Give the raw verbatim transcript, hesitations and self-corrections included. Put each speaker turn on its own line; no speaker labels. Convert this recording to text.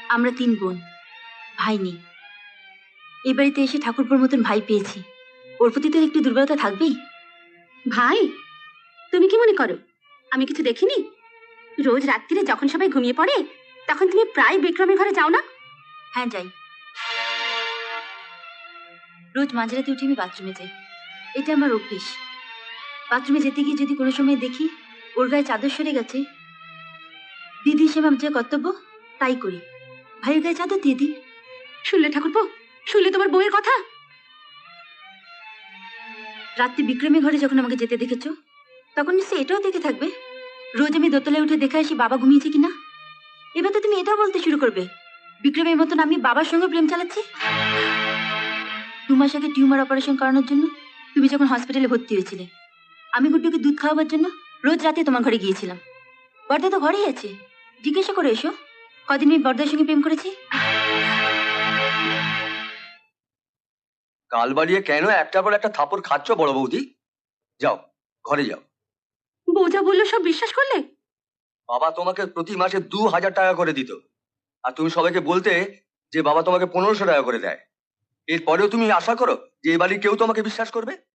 আমরা তিন বোন, ভাই নেই। এই বাড়িতে এসে ঠাকুরপুর মতন ভাই পেয়েছি, ওর প্রতি তো একটু দুর্বলতা থাকবেই।
ভাই, তুমি কি মনে করো আমি কিছু দেখিনি? রোজ রাত্রিরে যখন সবাই ঘুমিয়ে পড়ে তখন তুমি প্রায় বিক্রমের ঘরে যাও না?
হ্যাঁ যাই, রোজ মাঝরাতে উঠে আমি বাথরুমে যাই, এটা আমার অভ্যেস। বাথরুমে যেতে গিয়ে যদি কোনো সময় দেখি ওর গায়ে চাদর সরে গেছে, দিদি হিসেবে আমার যে কর্তব্য তাই করি, ভাইয়ের গায়ে চাদর দিয়ে দিই।
শুনলে ঠাকুরপো, শুনলে তোমার বউয়ের কথা?
রাত্রি বিক্রমের ঘরে যখন আমাকে যেতে দেখেছো তখন নিশ্চয়ই এটাও দেখে থাকবে রোজ আমি দোতলায় উঠে দেখে আসি বাবা ঘুমিয়েছে কিনা। এবার তো তুমি এটাও বলতে শুরু করবে বিক্রমের মতন আমি বাবার সঙ্গে প্রেম চালাচ্ছি। দু মাস আগে টিউমার অপারেশন করানোর জন্য তুমি যখন হসপিটালে ভর্তি হয়েছিলে, আমি গুড্ডুকে দুধ খাওয়াবার জন্য রোজ রাতে তোমার ঘরে গিয়েছিলাম। বর্দা তো ঘরেই আছে, জিজ্ঞাসা করে এসো কদিন আমি বর্দার সঙ্গে প্রেম করেছি।
গাল বাড়িয়ে কেন একটার পর একটা থাপড় খাচ্ছ বড় বৌদি? যাও, ঘরে যাও।
বউ যা বললো সব বিশ্বাস করলে?
বাবা তোমাকে প্রতি মাসে দু হাজার টাকা করে দিত, আর তুমি সবাইকে বলতে যে বাবা তোমাকে পনেরোশো টাকা করে দেয়। এরপরেও তুমি আশা করো যে এই বাড়ির কেউ তোমাকে বিশ্বাস করবে?